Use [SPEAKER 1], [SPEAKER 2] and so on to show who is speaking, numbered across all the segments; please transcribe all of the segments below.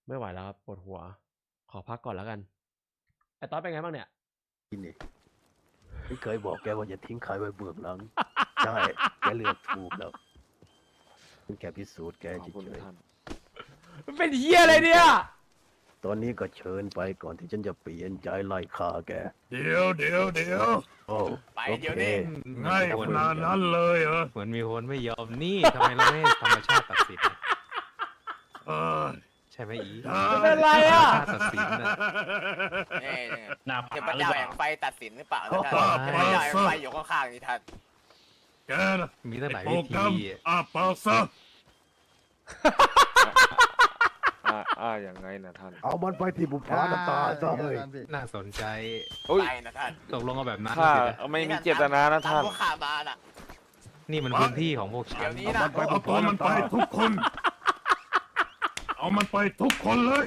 [SPEAKER 1] ไม่ไหวแล้วครับปวดหัว ขอพักก่อนแล้วกันไอ้ต๊อดเป็นไงบ้างเนี่ย
[SPEAKER 2] นี่ฉันเคยบอกแกว่าอย่าทิ้งใครไว้เบื้องหลัง ใช่แกเลือกถูกแล้วฉันแค่พิสูจน์แก
[SPEAKER 3] ขอบคุณ
[SPEAKER 2] เฉย
[SPEAKER 3] ท่าน
[SPEAKER 1] มันเป็นเฮียอะไรเนี่ย
[SPEAKER 2] ๆตอนนี้ก็เชิญไปก่อนที่ฉันจะเปลี่ยนใจไล่ฆ่าแก
[SPEAKER 4] เดี๋ยว
[SPEAKER 2] โอ้
[SPEAKER 5] ไป
[SPEAKER 2] โอ
[SPEAKER 5] เดี๋ยว
[SPEAKER 2] เค
[SPEAKER 5] นี้
[SPEAKER 4] ง่ายขนาดนั้นเลยเหรอ
[SPEAKER 6] เหมือนมีคนไม่ยอมนี่ทำไมเราไม่ธรรมชาติตัดสิน
[SPEAKER 4] เออ
[SPEAKER 6] ใช่ไหมอี
[SPEAKER 1] มันเป็นไรอ่ะ
[SPEAKER 6] ธรรมชาติตัดสินนะ
[SPEAKER 5] นี่
[SPEAKER 4] หน้า
[SPEAKER 5] เทพ
[SPEAKER 4] ผาหรือ
[SPEAKER 5] เจ้า
[SPEAKER 4] เป
[SPEAKER 5] แห่
[SPEAKER 4] ล่าง
[SPEAKER 5] ไฟตัดสินหรือเปล่านะท่าน
[SPEAKER 4] อ๋อ
[SPEAKER 5] เทพเจ้าแห่งไฟอยู่ข้างๆนี่ท่าน
[SPEAKER 4] แกนะ
[SPEAKER 6] มีตั้งหลาย
[SPEAKER 4] โปร
[SPEAKER 6] วิ
[SPEAKER 4] แกร
[SPEAKER 6] ธี
[SPEAKER 4] มอาปากซะ
[SPEAKER 3] ยังไงนะท่าน
[SPEAKER 2] เอามันไปที่บุพาน้ำตาซะเลย
[SPEAKER 6] น่าสนใจ
[SPEAKER 3] เฮ้ย
[SPEAKER 5] ไปนะท่าน
[SPEAKER 6] ตกลงเอาแบบนั้น
[SPEAKER 3] ข้า
[SPEAKER 6] สินะ
[SPEAKER 3] ไม่มีเจตนานะท่าน
[SPEAKER 5] พวกข้ามาน่ะ
[SPEAKER 6] นี่มันพื้นที่ของพวกฉั
[SPEAKER 5] เดี๋ย
[SPEAKER 6] น
[SPEAKER 5] วนี้นะ
[SPEAKER 4] เอาตัวมันไปทุกคน เอามันไปทุกคนเลย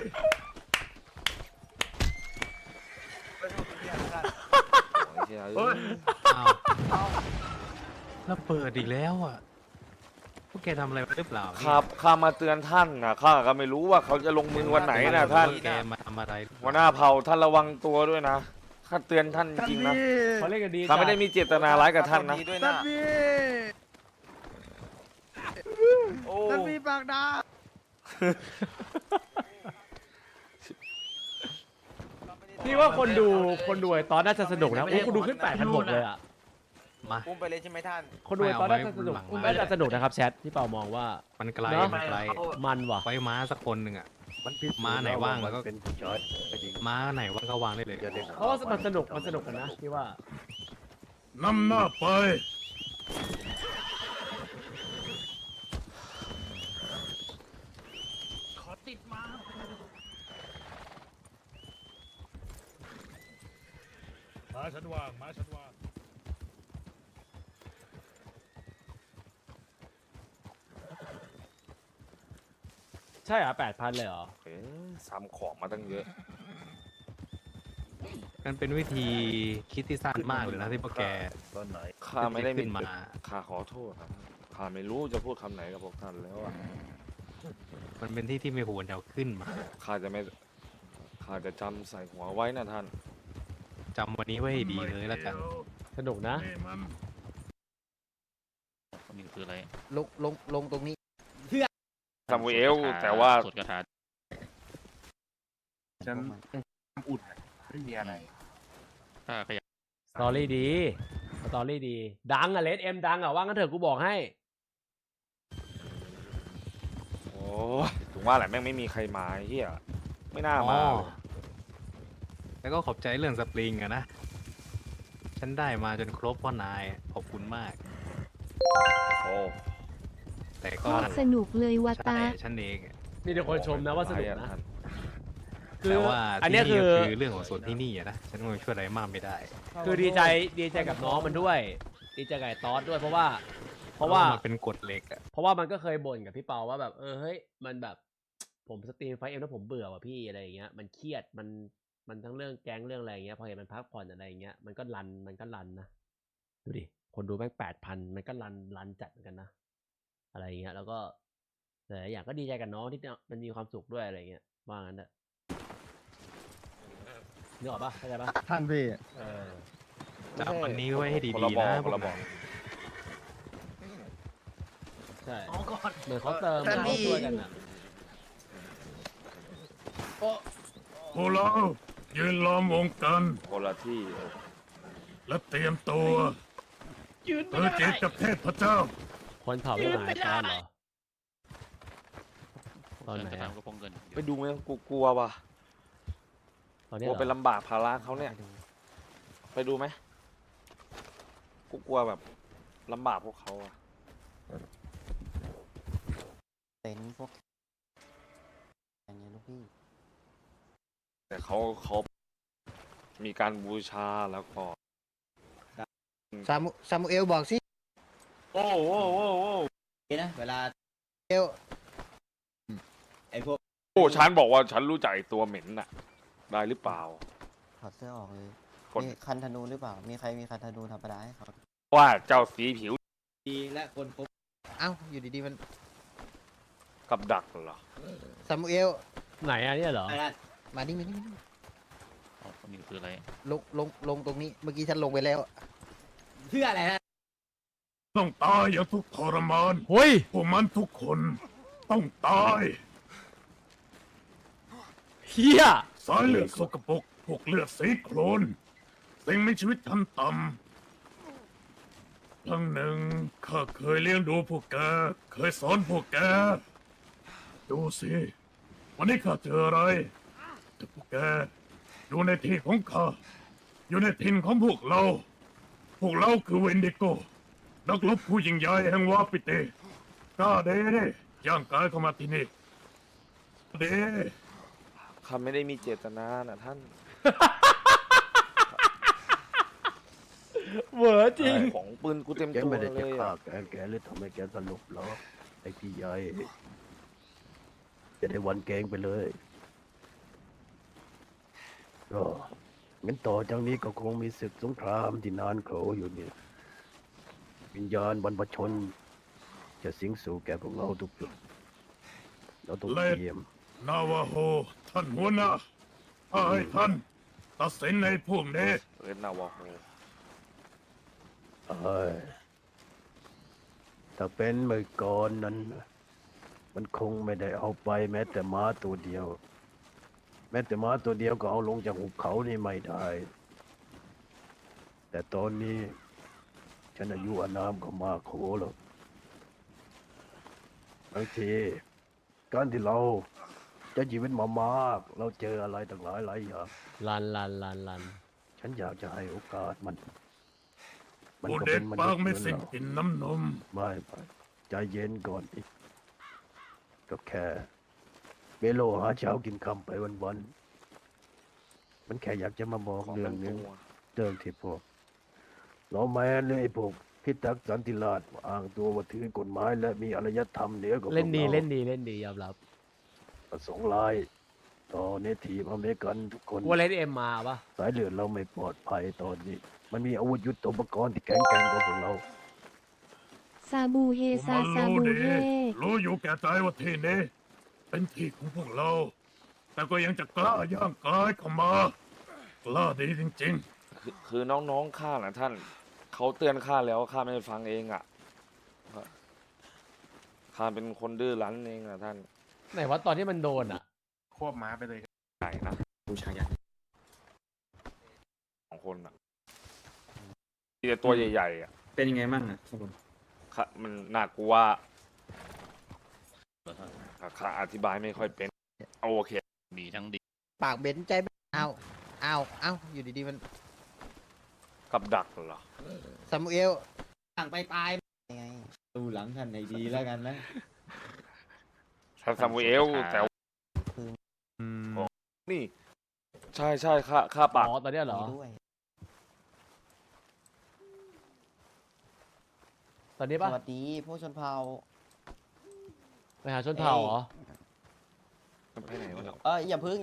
[SPEAKER 3] เฮ้ย
[SPEAKER 6] อ้าวแล้วเปิดอีกแล้วอ่ะพวกแกทำอะไรหรือเปล่าเนี่ย
[SPEAKER 3] ครับข้ามาเตือนท่านนะข้าก็ไม่รู้ว่าเขาจะลงมือวันไหนนะท่าน
[SPEAKER 6] แกมาทำอะไร
[SPEAKER 3] หัวหน้าเผ่าท่านระวังตัวด้วยนะข้าเตือนท่านจริงๆนะ
[SPEAKER 1] เขาเล่นกันดี
[SPEAKER 3] ข้าไม่ได้มีเจตนาร้ายกับท่านนะ
[SPEAKER 5] ดีด้วยนะโอ้
[SPEAKER 7] ท่านพี่ปากดา
[SPEAKER 1] พี่ว่าคนดูไอ้ต๊อดน่าจะสนุกนะโอ้คนดูขึ้น8,600เลยอ่ะ
[SPEAKER 6] มา
[SPEAKER 5] อุ้มไปเลยใช่ไหมท่าน
[SPEAKER 1] คนดูไอ้ต๊อดน่าจะสนุก
[SPEAKER 6] ไม่เอาไว้
[SPEAKER 1] น่าจะสนุกนะครับแชทพี่เปามองว่า
[SPEAKER 6] มันไกล
[SPEAKER 1] เนอะ
[SPEAKER 6] มันไกล
[SPEAKER 1] มันว่ะ
[SPEAKER 6] ไว้ม้าสักคนหนึ่งอ่ะ
[SPEAKER 2] มันพิสูจน์
[SPEAKER 6] ม้าไหนว่างแล้วก็
[SPEAKER 2] เป็นผู้ชายจริง
[SPEAKER 6] ม้าไหนว่างก็วางได้เลย
[SPEAKER 2] อย่าได้
[SPEAKER 1] เพราะว่ามันสนุกกันนะพี่ว่า
[SPEAKER 4] นำหน้าไป มาฉันวาง
[SPEAKER 1] ใช่เหรอ8,000เลยเหรอ
[SPEAKER 3] เอ๊ะซ้ำของมาตั้งเยอะ
[SPEAKER 6] มันเป็นวิธีคิดที่สั้นมากเลยนะที่พวกแก
[SPEAKER 2] ตอนไหน
[SPEAKER 3] ข้าไม่ได้
[SPEAKER 6] ขึ้นมา
[SPEAKER 3] ข้าขอโทษครับข้าไม่รู้จะพูดคำไหนกับพวกท่านแล้วอ่ะ
[SPEAKER 6] มันเป็นที่ที่ไม่ควรจะเอาขึ้นมา
[SPEAKER 3] ข้าจะไม่ข้าจะจำใส่หัวไว้นะท่าน
[SPEAKER 6] จำวันนี้ไว้ให้ดีเลยแล้วกัน
[SPEAKER 1] สนุกนะ
[SPEAKER 4] นี่มัน
[SPEAKER 8] นี่คืออะไร
[SPEAKER 7] ลงตรงนี้
[SPEAKER 3] ซามูเอลแต่ว่า
[SPEAKER 8] สวดคาถา
[SPEAKER 7] ฉันอุดไม่มีอะไร
[SPEAKER 8] ถ้าขยับ
[SPEAKER 1] สตอรี่ดีสตอรี่ดี ดังอ่ะเลดเอ็มดังอ่ะว่างั้นเถอะกูบอกให้
[SPEAKER 3] โอ้ยถึงว่าแหละแม่งไม่มีใครมาไอ้เฮียไม่น่ามา
[SPEAKER 6] อ๋อ
[SPEAKER 3] เลย
[SPEAKER 6] แล้วก็ขอบใจเรื่องสปริงอะนะ ฉันได้มาจนครบพ่อนาย ขอบคุณมาก
[SPEAKER 3] โอ้
[SPEAKER 6] แต่ก็
[SPEAKER 9] สนุกเลยวา
[SPEAKER 6] ใช่
[SPEAKER 9] ตา
[SPEAKER 6] ฉันเองอะ
[SPEAKER 1] มีแต่คนชมนะว่าสนุกนะ
[SPEAKER 3] ท่าน
[SPEAKER 1] คือ
[SPEAKER 6] แต่ว่า
[SPEAKER 1] อัน
[SPEAKER 6] ที่
[SPEAKER 1] เนี้ย
[SPEAKER 6] นี่
[SPEAKER 1] คือ
[SPEAKER 6] ก็คือเรื่องของส่วนที่นี่อะนะ ฉันก็ช่วยอะไรมากไม่ได้
[SPEAKER 1] คือดีใจกับน้องมันด้วย ดีใจกับไอ้ตอสด้วยเพราะว่า
[SPEAKER 6] มันเป็นกฎเหล็กอะ
[SPEAKER 1] เพราะว่ามันก็เคยบ่นกับพี่เปาว่าแบบเฮ้ยมันแบบ ผมสตรีมไฟเอ็มแล้วผมเบื่อว่ะพี่อะไรอย่างเงี้ยมันเครียดมันทั้งเรื่องแก๊งเรื่องอะไรอย่างเงี้ยพอเห็นมันพักผ่อนอะไรอย่างเงี้ยมันก็รันนะดูดิคนดูแม่ง8,000มันก็รันจัดเหมือนกันนะอะไรอย่างเงี้ยแล้วก็แต่ละอย่างก็ดีใจกับน้องที่มันมีความสุขด้วยอะไรอย่างเงี้ยว่างั้นเถอะนึกออกปะเข้าใจปะ
[SPEAKER 7] ท่านพี่
[SPEAKER 6] จำวันนี้ไว้ให้
[SPEAKER 3] คน
[SPEAKER 6] ดี
[SPEAKER 3] ละ
[SPEAKER 6] ๆ
[SPEAKER 3] บอก
[SPEAKER 6] นะ
[SPEAKER 3] คนละบอก
[SPEAKER 1] ใช่เหมือนเขาเติม
[SPEAKER 7] ท่าน
[SPEAKER 1] นะ
[SPEAKER 7] พี่
[SPEAKER 1] เขาช่วยกันอ่ะ
[SPEAKER 4] พวกเรายืนล้อมวงกัน
[SPEAKER 3] คนละที่
[SPEAKER 4] และเตรียมตัวเพื่อเจอกับเทพเจ้า
[SPEAKER 1] คนเผาไม่หายตอนเหรอตอนไหน
[SPEAKER 8] จะ
[SPEAKER 1] อะ
[SPEAKER 8] ทำกระโปรงเงิน
[SPEAKER 3] ไปดูไหมกูกลัวว่ะ
[SPEAKER 1] ตอน
[SPEAKER 3] ก
[SPEAKER 1] นี้
[SPEAKER 3] ลัว
[SPEAKER 1] เหร
[SPEAKER 3] ไป
[SPEAKER 1] อ
[SPEAKER 3] ลำบากภาระเขาเนี่ย ไปดูไหมกูกลัวแบบลำบากพวกเขาอะ
[SPEAKER 7] เป็นพวกอย่างนี้ลูกพี่
[SPEAKER 3] แต่เขามีการบูชาแล้วก็
[SPEAKER 7] ซามูเอลบอกสิ
[SPEAKER 3] โอ้โห
[SPEAKER 7] นะเวลาเอลไอพวก
[SPEAKER 3] โอ้ฉันบอกว่าฉันรู้จักไอ้ตัวเหม็นน่ะ ได้หรือเปล่า
[SPEAKER 7] ถอดเสื้อออกเลย
[SPEAKER 3] คน
[SPEAKER 7] มีคันธนูหรือเปล่า มีใครมีคันธนูธรรมดาให้เขา
[SPEAKER 3] ว่าเจ้าสีผิว
[SPEAKER 7] ดีและคนพบเอ้าอยู่ดีๆมัน
[SPEAKER 3] กับดักเหรอ
[SPEAKER 7] ซามูเอล
[SPEAKER 1] ไหนอะเนี่ยเหรอ
[SPEAKER 7] ท่านมานี่มานี่มานี่
[SPEAKER 8] อ๋อนี่คืออะไร
[SPEAKER 7] ลงตรงนี้เมื่อกี้ฉันลงไปแล้ว เพื่ออะไรนะ
[SPEAKER 4] ต้องตายอย่างทุกข์ทรมาน
[SPEAKER 1] เฮ้ย
[SPEAKER 4] พวกมันทุกคนต้องตาย
[SPEAKER 1] เฮีย
[SPEAKER 4] สายเลือดสกปรกพวกเลือดสีโคลนสิ่งมีชีวิตชั้นต่ำครั้งหนึ่งข้าเคยเลี้ยงดูพวกแก เคยสอนพวกแก ดูสิ วันนี้ข้าเจออะไรแต่พวกแกอยู่ในที่ของข้า อยู่ในถิ่นของพวกเรา พวกเราคือเวนดิโก นักรบผู้ยิ่งใหญ่แห่งวาปิเตกล้าเด้ย่างกายเข้ามาที่นี่เด้
[SPEAKER 3] ข้าไม่ได้มีเจตนานะท่าน
[SPEAKER 1] เหวอจริง
[SPEAKER 3] ของปืนกูเต็ม
[SPEAKER 2] แก
[SPEAKER 3] ตัว
[SPEAKER 2] ไม่ได้
[SPEAKER 3] เล
[SPEAKER 2] จะ
[SPEAKER 3] ย
[SPEAKER 2] ฆ่า
[SPEAKER 3] อะ
[SPEAKER 2] แกเลยทำให้แกสลบหรอกไอ้พี่ใหญ่จะได้วันแกงไปเลยก็งั้นต่อจากนี้ก็คงมีศึกสงครามที่นานโขอยู่เนี่ยวิญญาณบรรพชน จะสิงสู่แก่พวกเราทุกจุดเราต้องเตรียม
[SPEAKER 4] นาวาโฮท่านหัวหน้าถ้าให้ท่านตัดสินในพวกนี้
[SPEAKER 3] เรนนาวาโฮ
[SPEAKER 2] เอ้ยถ้าเป็นเมื่อก่อนนั้น มันคงไม่ได้เอาไปแม้แต่ม้าตัวเดียว แม้แต่ม้าตัวเดียวก็เอาลงจากหุบเขานี่ไม่ได้ แต่ตอนนี้ ฉันอายุอานามก็มากโขแล้วบางทีการที่เราจะชีวิตมามาก เราเจออะไรต่างหลายอย่าง
[SPEAKER 1] ลัน
[SPEAKER 2] ฉันอยากจะให้โอกาสมัน
[SPEAKER 4] ผู้
[SPEAKER 2] ก็
[SPEAKER 4] เด็
[SPEAKER 2] เป็
[SPEAKER 4] ก
[SPEAKER 2] นม
[SPEAKER 4] ปา
[SPEAKER 2] นุ
[SPEAKER 4] ก
[SPEAKER 2] ษย์เห
[SPEAKER 4] ไม่
[SPEAKER 2] มือน
[SPEAKER 4] สิ้น
[SPEAKER 2] เรา
[SPEAKER 4] กินน้ำนม
[SPEAKER 2] ไม่ใจเย็นก่อนอีกก็แค่เบโลหาเช้ากินคำไปวันๆมันแค่อยากจะมาบอก
[SPEAKER 3] ของ
[SPEAKER 2] เรื่อ
[SPEAKER 3] เต็
[SPEAKER 2] ง
[SPEAKER 3] ม
[SPEAKER 2] นึง
[SPEAKER 3] ตัว
[SPEAKER 2] เรื่องที่พวกเราแมนเลยไอ้พวกพิทักษ์สันติราษฎร์อ้างตัวว่าถือกฎหมายและมีอารยธรรมเหนือกว่าพวก
[SPEAKER 1] เล่นดี
[SPEAKER 2] รา
[SPEAKER 1] เล่นดียอมรับ
[SPEAKER 2] ประสงค์ร้ายต่อเนทีฟอเมริกันทุกคน
[SPEAKER 1] ว่าเล่นเอ็มมาปะ
[SPEAKER 2] สายเลือดเราไม่ปลอดภัยตอนนี้ มันมีอาวุธยุทโธปกรณ์ที่แข็งแกร่งกว่าพวกเรา
[SPEAKER 9] ซาบูเฮ
[SPEAKER 4] พวก
[SPEAKER 9] ซา
[SPEAKER 4] มัน
[SPEAKER 9] ซา
[SPEAKER 4] รู้
[SPEAKER 9] บู
[SPEAKER 4] ดี
[SPEAKER 9] เฮ
[SPEAKER 4] รู้อยู่แก่ใจว่าที่นี้เป็นที่ของพวกเรา แต่ก็ยังจะกล้าย่างกายเข้ามากล้าดีจริง
[SPEAKER 3] คือน้องๆข้าน่ะท่าน เขาเตือนข้าแล้วข้าไม่ฟังเองอ่ะข้าเป็นคนดื้อรั้นเองอ่ะท่าน
[SPEAKER 1] ไหนว่าตอนที่มันโดนอะ
[SPEAKER 3] ควบม้าไปเลยใหญ่นะผู้ชายใหญ่สองคนอ่ะมีแต่ตัวใหญ่ๆอ่ะ
[SPEAKER 10] เป็นยังไงบ้างอ่ะข้างบน
[SPEAKER 3] ข้ามันน่ากลัวข้าอธิบายไม่ค่อยเป็นโอเค
[SPEAKER 8] ดีทั้งดี
[SPEAKER 7] ปากเบนใจเอาอยู่ดีๆมัน
[SPEAKER 3] กับดักเหรอ
[SPEAKER 7] ซามูเอลต่างไปปลายยังไงดูหลังท่านให้ดีแล้วกันนะ
[SPEAKER 3] ท่านซามูเอลแต่ว่า
[SPEAKER 6] อืม
[SPEAKER 3] นี่ ใช่ใช่ข้าปาก
[SPEAKER 1] อ๋อตอนเนี้ยเหรอ
[SPEAKER 7] ด้วย
[SPEAKER 1] ตอนนี้
[SPEAKER 7] ส
[SPEAKER 1] ปะ
[SPEAKER 7] วัสดีพวกชนเผ่า
[SPEAKER 1] ไปหาชนเผ่าเหรอ
[SPEAKER 3] ไปไหนวะเนี่ย
[SPEAKER 7] อย่าพึ่ง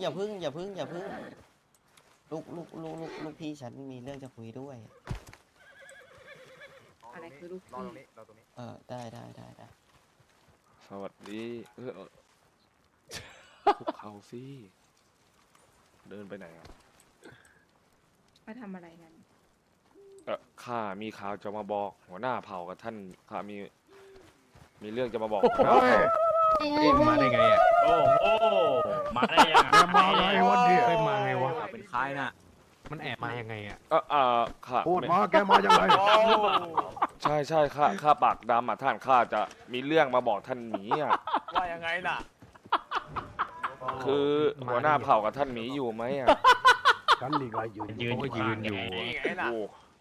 [SPEAKER 7] ลูกพี่ฉันมีเรื่องจะคุยด้วย
[SPEAKER 9] อะไรคือลูกพี่
[SPEAKER 7] ได้
[SPEAKER 3] สวัสดีคุกเข่าสิเดินไปไหนอ่ะ
[SPEAKER 9] มาทำอะไรกัน
[SPEAKER 3] ข้ามีข่าวจะมาบอก หัวหน้าเผ่ากับท่านข้ามีเรื่องจะมาบอก
[SPEAKER 2] เฮ้ย
[SPEAKER 6] เอ๊ะมาได้ไงอ่ะ
[SPEAKER 8] โอ้โหมาได้ยัง
[SPEAKER 2] แกมาไงวันเดียว
[SPEAKER 6] เฮ้ยมาไงวะ
[SPEAKER 10] เป็นคล้ายน่ะ
[SPEAKER 6] มันแอบมายังไงอ่ะ
[SPEAKER 3] ข้า
[SPEAKER 2] พูดมาแกมายังไง
[SPEAKER 3] ใช่ข้าปากดำอ่ะท่านข้าจะมีเรื่องมาบอกท่านหมีอ่ะ
[SPEAKER 5] ๆว่ายังไงน่ะ
[SPEAKER 3] คือหัวหน้าเผ่ากับท่านหมีอยู่ไหมอ่ะ
[SPEAKER 2] ฉันนี่ไงยืน
[SPEAKER 8] ยืน
[SPEAKER 6] เขาก็ยืนอยู่
[SPEAKER 5] นี่ไงน่ะ
[SPEAKER 3] โอ้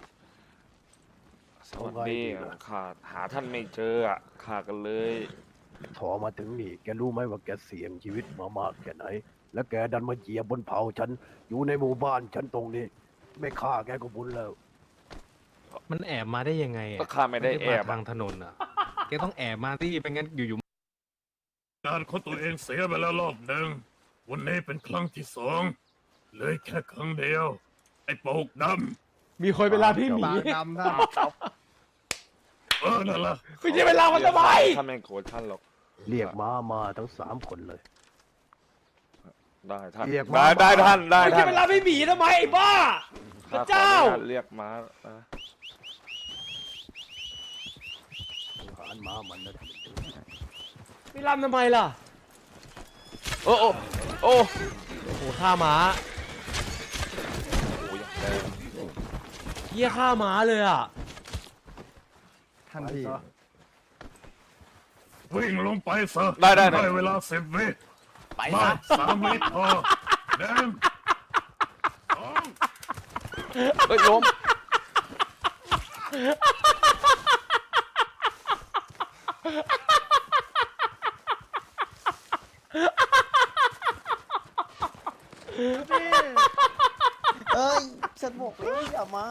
[SPEAKER 3] สวัสดีข้าหาท่านไม่เจออ่ะข้ากันเลย
[SPEAKER 2] ถอมาถึงนี่แกรู้ไหมว่าแกเสี่ยงชีวิตมามากแค่ไหน แล้วแกดันมาเหยียบบนเผาฉันอยู่ในหมู่บ้านฉันตรงนี้ ไม่ฆ่าแกก็บุญแล้ว
[SPEAKER 6] มันแอบมาได้ยังไงอ่ะ
[SPEAKER 3] ก็ข้าไม่ได้แอบ
[SPEAKER 6] มาทางถนนอ่ะ แกต้องแอบมาที่เป็นงั้นอยู่
[SPEAKER 4] ๆ การของตัวเองเสียไปแล้วรอบหนึ่ง วันนี้เป็นครั้งที่สองเหลยแค่ครั้งเดียว ไอ้โปกด
[SPEAKER 1] มีคนเวลาพี่หมี
[SPEAKER 7] ปากดำท่าน
[SPEAKER 4] ำนั่นล่ะ
[SPEAKER 1] คุณจะเวลามันทำไม
[SPEAKER 3] ข้าไม่โกรธท่านหรอก
[SPEAKER 2] เรียกมาทั้ง3 คนเลย
[SPEAKER 3] ได้ท่าน
[SPEAKER 2] เรียก
[SPEAKER 3] ได้
[SPEAKER 2] ม้า
[SPEAKER 3] ได้ท่านได้
[SPEAKER 1] ไม่
[SPEAKER 3] ท่า
[SPEAKER 1] ใช่
[SPEAKER 3] น
[SPEAKER 1] เวลาไม่หมีทำไมไอ้บ้าพ
[SPEAKER 3] ข้า
[SPEAKER 1] ระ
[SPEAKER 3] ขอ
[SPEAKER 1] เจ้า
[SPEAKER 3] อนุญาตเรียกม้านะ
[SPEAKER 2] หารม้ามันนะ
[SPEAKER 1] ไม่รำทำไมล่ะ
[SPEAKER 3] โอ้โอ้โอ้
[SPEAKER 1] โอ้โหฆ่าม้า
[SPEAKER 3] โหอย่างแรง
[SPEAKER 1] เฮียฆ่าม้าเลยอ่ะ
[SPEAKER 2] ท่านพี่
[SPEAKER 4] วิ่งลงไปซะ
[SPEAKER 3] ได้ได้
[SPEAKER 4] ได้เวลา10 วิ
[SPEAKER 5] ไป
[SPEAKER 4] มา
[SPEAKER 5] ซะ
[SPEAKER 4] 3 วิพอหนึ่งสอง
[SPEAKER 3] เฮ้ยล้ม
[SPEAKER 7] เอ้ยฉันบอกเลยอย่ามา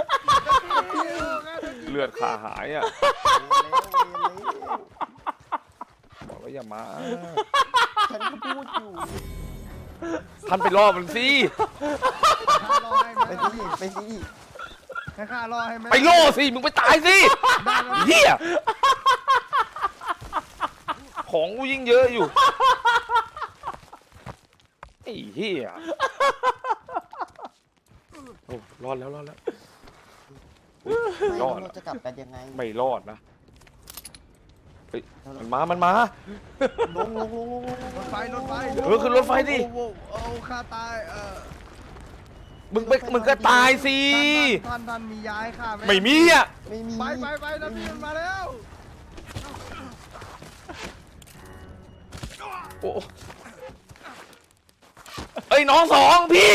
[SPEAKER 3] เลือดขาหายอ่ะ
[SPEAKER 7] เร็ว
[SPEAKER 3] บอกแล้วอย่ามา
[SPEAKER 7] ฉันก็พูดอยู่
[SPEAKER 3] ท่านไปล่อมันสิ
[SPEAKER 7] ไปดิไปดิ
[SPEAKER 2] ให้ข้ารอให้ไหม
[SPEAKER 3] ไปล่อสิมึงไปตายสิเฮียของกูยิ่งเยอะอยู่ไอ้เฮียโอ้รอดแล้วรอดแล้ว
[SPEAKER 7] ไม่
[SPEAKER 3] รอด
[SPEAKER 7] เราจะกลับกันยังไง
[SPEAKER 3] ไม่รอดนะเฮ้ยมันมามันมา
[SPEAKER 7] ลง
[SPEAKER 2] รถไฟรถไฟ
[SPEAKER 3] เออขึ้นรถไฟดิ
[SPEAKER 2] เอาข้าตาย
[SPEAKER 3] มึงก็ตายสิ
[SPEAKER 2] ท่านมีย้ายข้าไหม
[SPEAKER 3] ไม่มีอ่ะ
[SPEAKER 7] ไม่มี
[SPEAKER 2] ไปนะพี่มันมาแล้ว
[SPEAKER 3] โอ้เอ้ยน้องสองพี่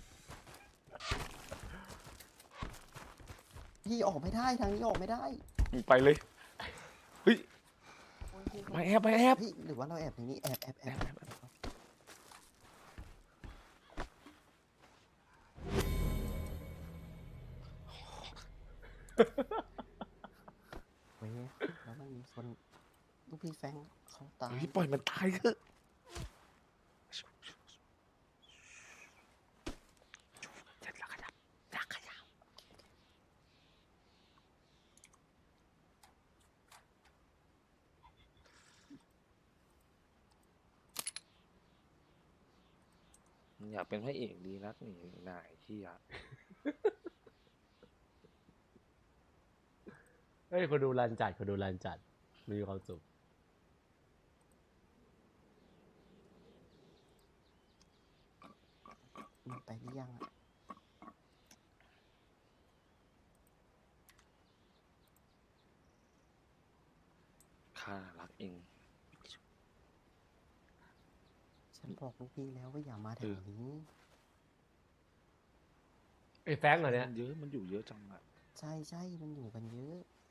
[SPEAKER 7] พี่ออกไม่ได้ทางนี้ออกไม่ได้
[SPEAKER 3] ไปเลยเฮ้ยไปแอบไปแอบ
[SPEAKER 7] พี่หรือว่าเราแอบตรงนี้แอบเว้ยแล้วมันมีคนลูกพี่แฟงเขาตาย
[SPEAKER 3] เฮ้ยปล่อยมันตายเถอะอยากเป็นพระเอกดีนักนี่นายที่อยาก
[SPEAKER 1] เฮ้ยคนดูรันจัดคนดูรันจัดมีความสุข
[SPEAKER 7] มันไปหรือยังอะ
[SPEAKER 3] ข้ารักเอง
[SPEAKER 7] ฉันบอกลูกพี่แล้วว่าอย่ามาแถวนี้
[SPEAKER 1] ไอ้แฟงเหรอเนี่ย
[SPEAKER 3] มันเยอะมันอยู่เยอะจังอะ
[SPEAKER 7] ใช่มันอยู่กันเยอะ